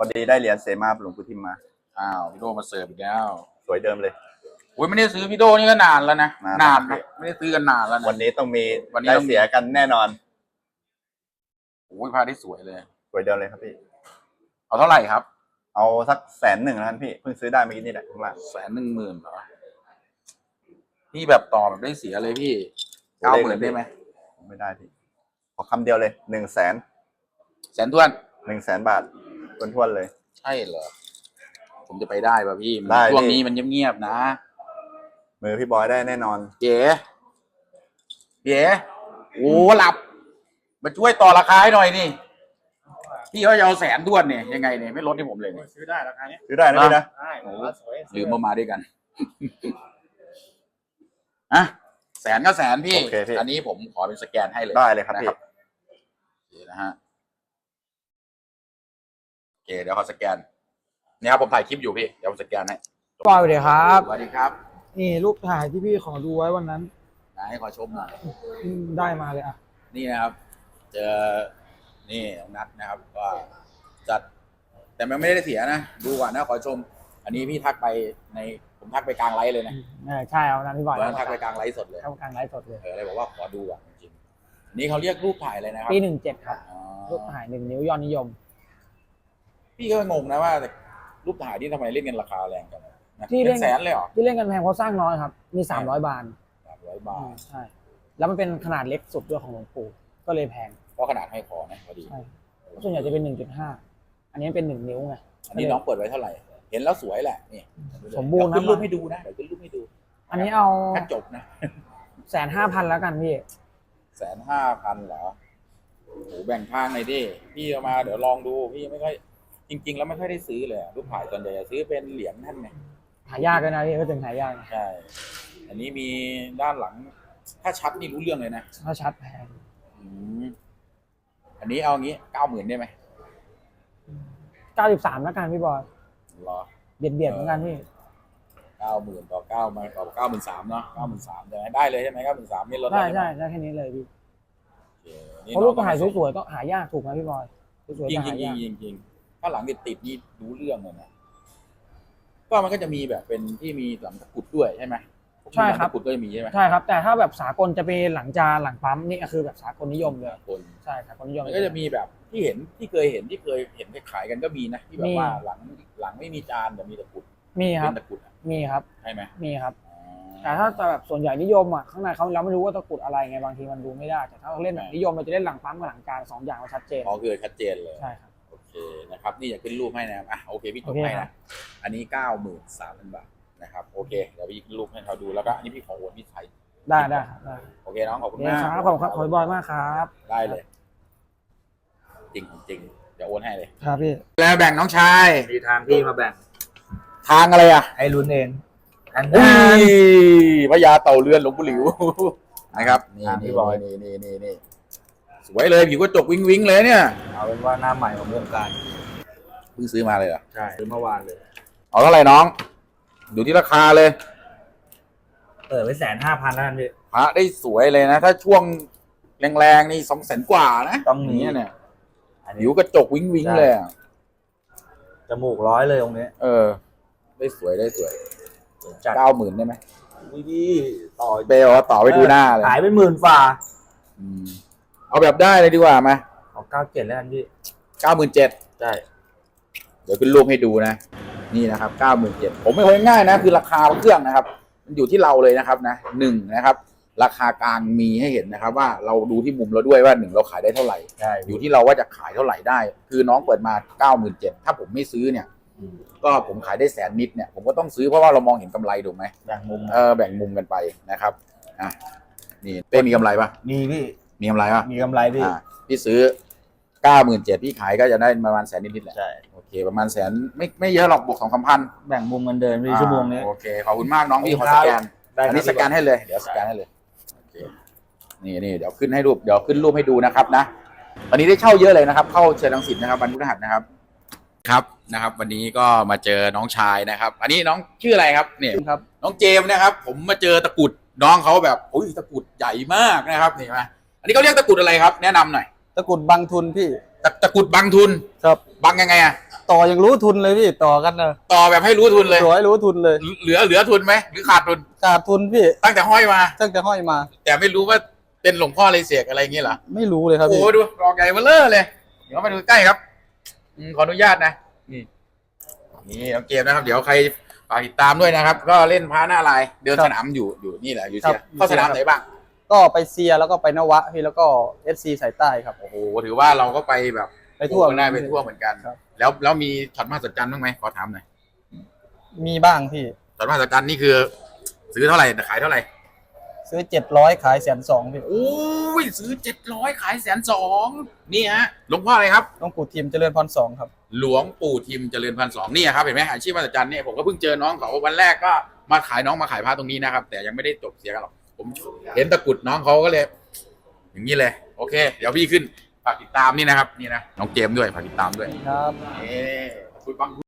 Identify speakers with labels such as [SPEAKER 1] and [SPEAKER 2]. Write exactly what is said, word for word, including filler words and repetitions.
[SPEAKER 1] อดีได้เหรียญเสมาหลวงปู่ทิมมา
[SPEAKER 2] อ้าวพี่โดมาเสิร์ฟอีกแล้ว
[SPEAKER 1] สวยเดิมเลย
[SPEAKER 2] โอ้ยไม่ได้ซื้อพี่โดนี่ก็นานแล้วนะนานนะไม่ได้ซื้อกันนานแล้วนะ
[SPEAKER 1] วันนี้ต้องมีวันนี้ได้เสียกันแน่นอน
[SPEAKER 2] โอ้ยผ้าที่สวยเลย
[SPEAKER 1] สวยเดิมเลยครับพี่
[SPEAKER 2] เอาเท่าไหร่ครับ
[SPEAKER 1] เอาสักแสนหนึ่งนะพี่เพิ่งซื้อได้เมื่อกี้นี่แหละข้างล่าง
[SPEAKER 2] แสนหนึ่งหมื่นเหรอพี่แบบต่อแบบได้เสียเลยพี่เก้าหมื่นได้ไหม
[SPEAKER 1] ไม่ได้พี่ขอคำเดียวเลยหนึ่งแสน
[SPEAKER 2] แสนทวน
[SPEAKER 1] หนึ่งแสนบาททวนๆเลย
[SPEAKER 2] ใช่เหรอผมจะไปได้ป่ะพี่ช่วงนี้มันเงียบๆนะ
[SPEAKER 1] มือพี่บอยได้แน่นอน
[SPEAKER 2] เก๋เก๋โอ้หลับมาช่วยต่อราคาให้หน่อยนี่พี่เขาจะเอาแสนด้วนเนี่ยยังไงเนี่ยไม่ลดให้ผมเลยเนี่ย
[SPEAKER 3] ซื้อได้ราคานี้
[SPEAKER 1] ซื้อได้นะพี่นะ
[SPEAKER 3] ได้โอ้
[SPEAKER 2] ลืมมามาด้วยกันอ่ะแสนก็แสนพี่อันนี้ผมขอเป็นสแกนให้เลย
[SPEAKER 1] ได้เลยครับพี่
[SPEAKER 2] นะฮะโอเคเดี๋ยวขอสแกนนี่ครับผมถ่ายคลิปอยู่พี่เดี๋ยวผมสแกนให้
[SPEAKER 3] สวัสดีครับ
[SPEAKER 2] สวัสดีครับ
[SPEAKER 3] นี่รูปถ่ายที่พี่ขอดูไว้วันนั้น
[SPEAKER 2] ไหนขอชมหน่อย
[SPEAKER 3] ได้มาเลยอ่ะ
[SPEAKER 2] นี่นะครับเจอนี่น้องนัทนะครับก็จัดแต่มันไม่ได้เสียนะดูก่อนนะขอชมอันนี้พี่ทักไปในผมทักไปกลางไลฟ์เลยนะ
[SPEAKER 3] ใช่เอานั้นพี่บอย
[SPEAKER 2] ทักไปกลางไลฟ์สดเลย
[SPEAKER 3] ทักกลางไลฟ์สดเลย
[SPEAKER 2] เออเลยบอกว่าขอดูก่อนจริงนี่เขาเรียกรูปถ่ายเลยนะครับ
[SPEAKER 3] ปีหนึ่งเจ็ดครับรูปถ่ายหนึ่งนิ้วยอดนิยม
[SPEAKER 2] พี่ก็งงนะว่ารูปถ่ายนี่ทำไมเล่นกันราคาแรงกันที่เล่นแสนเลยเหรอ
[SPEAKER 3] ที่เล่นกันแพงเพราะสร้างน้อยครับมีสามร้อยบาท
[SPEAKER 2] สามร้อยบาท
[SPEAKER 3] ใช่แล้วมันเป็นขนาดเล็กสุดด้วยของหลวงปู่ก็เลยแพง
[SPEAKER 2] เพราะขนาดให้คอนะพอดี
[SPEAKER 3] ใช่ส่วนใหญ่จะเป็นหนึ่งจุดห้าอันนี้เป็นหนึ่งนิ้วไง
[SPEAKER 2] อันนี้น้องเปิดไว้เท่าไหร่เห็นแล้วสวยแหละนี่
[SPEAKER 3] สมบูรณ์นะ
[SPEAKER 2] ขึ้นรูปให้ดูนะเดี๋ยวขึ้นรูปให้ดู
[SPEAKER 3] อันนี้เอา
[SPEAKER 2] แค่จบนะ
[SPEAKER 3] แสนห้าพันแล้วกันพี่
[SPEAKER 2] แสนห้าพันเหรอโอ้โหแบ่งทางหน่อยดิพี่เอามาเดี๋ยวลองดูพี่ไม่ค่อยจริงๆแล้วไม่ค่อยได้ซื้อเลยรูปถ่ายส่วนใหญ่จะซื้อเป็นเหรียญท่านไง
[SPEAKER 3] หายากเลยนะพี่ก็ถึงหายาก
[SPEAKER 2] ใช่อันนี้มีด้านหลังถ้าชัดนี่รู้เรื่องเลยนะ
[SPEAKER 3] ถ้าชัดแพง
[SPEAKER 2] อันนี้เอางี้เก้าหมื่นได้ไหม
[SPEAKER 3] เก้าสิบสามแล้วกันพี่บอย
[SPEAKER 2] รอ
[SPEAKER 3] เบียดเบียดเหมือนกันพี่
[SPEAKER 2] เก้าหมื่นต่อเก้ามาต่อเก้าหมื่นสามเนาะเก้าหมื่นสามได้เลยใช่ไหมเก้าหมื่นสามนี่ลด
[SPEAKER 3] ได้ใช่ได้แค่นี้เลยพี่เพราะรูปถ่ายสวยๆก็หายากถูกไหมพี่บอยสวยๆ
[SPEAKER 2] จริงจริงจริงจริงถ้าหลังติดติดนี่รู้เรื่องเลยนะก็มันก็จะมีแบบเป็นที่มีหลังตะกุดด้วยใช่ไหม
[SPEAKER 3] ใช่ครับ
[SPEAKER 2] ตะกุดก็จะมีใช่ไหม
[SPEAKER 3] ใช่ครับแต่ถ้าแบบสากลจะเป็นหลังจานหลังปั๊มนี่คือแบบสากลนิยมเลย
[SPEAKER 2] คน
[SPEAKER 3] ใช่สากลนิยม
[SPEAKER 2] มันก็จะมีแบบที่เห็นที่เคยเห็นที่เคยเห็นขายกันก็มีนะที่แบบว่าหลังหลังไม่มีจานแต่มีตะกุด
[SPEAKER 3] มีครับ
[SPEAKER 2] ตะกุด
[SPEAKER 3] มีครับ
[SPEAKER 2] ใช่ไหม
[SPEAKER 3] มีครับแต่ถ้าแบบส่วนใหญ่นิยมอ่ะข้างในเขาเราไม่รู้ว่าตะกุดอะไรไงบางทีมันดูไม่ได้แต่ถ้าเราเล่นแบบนิยมเราจะเล่นหลังปั๊มกับหลังจานสองอย่างเราชัดเจน
[SPEAKER 2] อ๋อคือชัดเจนเลย
[SPEAKER 3] ใช่ครับ
[SPEAKER 2] โอเคนะครับนี่อยากขึ้นรูปให้นะครับอ่ะโอเคพี่จบให้นะอันนี้เก้าหมื่นสามพันบาทนะครับโอเคเดี๋ยวพี่ขึ้นรูปให้เขาดูแล้วก็อันนี้พี่ขอโอนพี่ไทย
[SPEAKER 3] ได้ได้ได้
[SPEAKER 2] โอเคน้องขอบคุณมาก
[SPEAKER 3] ครับขอบคุณครับขอบคุณบอยมากครับ
[SPEAKER 2] ได้เลยจริงจริงเดี๋ยวโอนให้เลย
[SPEAKER 3] ครับพี่
[SPEAKER 2] แล้วแบ่งน้องชาย
[SPEAKER 3] มีทางพี่มาแบ่ง
[SPEAKER 2] ทางอะไรอ่ะ
[SPEAKER 3] ให้ลุ้นเอง
[SPEAKER 2] อันนี้พญาเต่าเรือนหลวงปู่หลิวนะครับนี่นี่บอยนี่นี่นี่นี่สวยเลยผิวก็จกวิ้งวิ้งเลยเนี่ย
[SPEAKER 3] เอาเป็นว่าหน้าใหม่ของวงการ
[SPEAKER 2] เพิ่งซื้อมาเลยเหรอ
[SPEAKER 3] ใช่ซื้อเมื่อวานเลย
[SPEAKER 2] เอาเท่าไหร่น้องดูที่ราคาเลย
[SPEAKER 3] เปิดไว้แสนห้าพันแล้วกันพี่
[SPEAKER 2] พระได้สวยเลยนะถ้าช่วงแรงๆนี่สองแสนกว่านะ
[SPEAKER 3] ต้องนี้
[SPEAKER 2] เนี่ยผิวกระจกวิ้งวิ้งเลย
[SPEAKER 3] จมูกร้อยเลยตรงนี้
[SPEAKER 2] เออได้สวยได้สวยเก้าหมื่นได้ไหม
[SPEAKER 3] ดีต่อ
[SPEAKER 2] เบลต่อไปดูหน้าเลย
[SPEAKER 3] ขายเป็นหมื่นฝ่า
[SPEAKER 2] เอาแบบได้เลยดีกว่าไหม
[SPEAKER 3] เอาเก้าเจ็ดแล้วกันพี่
[SPEAKER 2] เก้าหมื่นเจ็ด
[SPEAKER 3] ใช่
[SPEAKER 2] เดี๋ยวขึ้นรูปให้ดูนะนี่นะครับเก้าหมื่นเจ็ดผมไม่ค่อยง่ายนะคือราคาเครื่องนะครับมันอยู่ที่เราเลยนะครับนะหนึ่งนะครับราคากลางมีให้เห็นนะครับว่าเราดูที่มุมเราด้วยว่าหนึ่งเราขายได้เท่าไหร่อยู่ที่เราว่าจะขายเท่าไหร่ได้คือน้องเปิดมาเก้าหมื่นเจ็ดถ้าผมไม่ซื้อเนี่ยก็ผมขายได้แสนนิดเนี่ยผมก็ต้องซื้อเพราะว่าเรามองเห็นกำไรถูกไหม
[SPEAKER 3] แบ่งมุม
[SPEAKER 2] เออแบ่งมุมกันไปนะครับอ่ะนี่เป้มีกำไรปะ
[SPEAKER 3] มีพี่
[SPEAKER 2] มีกำไรปะ
[SPEAKER 3] มีกำไรพี่
[SPEAKER 2] พี่ซื้อเก้าหมื่นเจ็ดพี่ขายก็จะได้ประมาณแสนนิดๆแหละ
[SPEAKER 3] ใช่
[SPEAKER 2] โอเคประมาณแสนไม่ไม่เยอะหรอกบวกสองสามพัน
[SPEAKER 3] แบ่งมุมเงินเดินพี่ชั่วโมงนี้
[SPEAKER 2] โอเคขอบคุณมากน้องพี่ขอสแกนอันนี้สแกนให้เลยเดี๋ยวสแกนให้เลยโอเคนี่นี่เดี๋ยวขึ้นให้รูปเดี๋ยวขึ้นรูปให้ดูนะครับนะวันนี้ได้เช่าเยอะเลยนะครับเข้าเชิญรังสิตนะครับวันพฤหัสนะครับครับนะครับวันนี้ก็มาเจอน้องชายนะครับอันนี้น้องชื่ออะไรครับเนี่ย
[SPEAKER 3] ครับ
[SPEAKER 2] น้องเจมส์นะครับผมมาเจอตะกุดน้องเขาแบบโอ้ยตะกุดใหญ่มากนะครับนี่มาอันนี้เขาเรียกตะกุดอะไรครับแนะนำหน่อย
[SPEAKER 3] ตะกุดบังทุนพี่
[SPEAKER 2] ตะตะกุดบังทุน
[SPEAKER 3] ครับ
[SPEAKER 2] บังยังไงอะ
[SPEAKER 4] ต่อยังรู้ทุนเลยพี่ต่อกันนะ
[SPEAKER 2] ต่อแบบให้รู้ทุนเลย
[SPEAKER 4] ต่อให้รู้ทุนเลย
[SPEAKER 2] เหลือเหลือทุนไหมหรือขาดทุน
[SPEAKER 4] ขาดทุนพี่
[SPEAKER 2] ตั้งแต่ห้อยมา
[SPEAKER 4] ตั้งแต่ห้อยมา
[SPEAKER 2] แต่ไม่รู้ว่าเป็นหลวงพ่ออะไรเสกอะไรอย่างเงี้ยเหรอ
[SPEAKER 4] ไม่รู้เลยครับ
[SPEAKER 2] โอ้
[SPEAKER 4] พี่
[SPEAKER 2] โหดูรองใหญ่เบ้อเร่อเลยเดี๋ยวมาดูใกล้ครับอืมขออนุญาตนะนี่นี่น้องเกมนะครับ เดี๋ยวใครฝากติดตามด้วยนะครับ ก็เล่นพาหน้าลายเดินสนามอยู่อยู่นี่แหละอยู่เชียร์เข้าสนามไหนบ้าง
[SPEAKER 4] ก็ไปเซียแล้วก็ไปนวะพี่แล้วก็เอฟซีสายใต้ครับ
[SPEAKER 2] โอ้โหถือว่าเราก็ไปแบบ
[SPEAKER 4] ไปทั่ว
[SPEAKER 2] ได้ไปทั่วเหมือนกัน
[SPEAKER 4] ครับ
[SPEAKER 2] แล้วแล้วมีช็อตมหัศจรรย์บ้างไหมขอถามหน่อย
[SPEAKER 4] มีบ้างพี่
[SPEAKER 2] ช็อตมหัศจรรย์นี่คือ ซื้อเท่าไหร่ขายเท่าไหร่
[SPEAKER 4] ซื้อเจ็ดร้อยขายแสนสองพี่
[SPEAKER 2] โอ้ยซื้อเจ็ดร้อยขายแสนสองนี่ฮะหลวงพ่ออะไรครับ
[SPEAKER 4] ต้องปู่ทีมเจริญพรสองครับ
[SPEAKER 2] หลวงปู่ทิมเจริญพันสองนี่ครับเห็นไหมอาชีพมหัศจรรย์เนี่ยผมก็เพิ่งเจอน้องเขาวันแรกก็มาขายน้องมาขายผ้าตรงนี้นะครับ แต่ยังไม่ได้จบเสียกันหรอกผมเห็นตะกรุดน้องเขาก็เลย อย่างนี้เลย โอเค เดี๋ยวพี่ขึ้นฝากติดตามนี่นะครับนี่นะน้องเจมส์ด้วยฝากติดตามด้วย
[SPEAKER 4] ครับ
[SPEAKER 2] เอ๊คุยบัง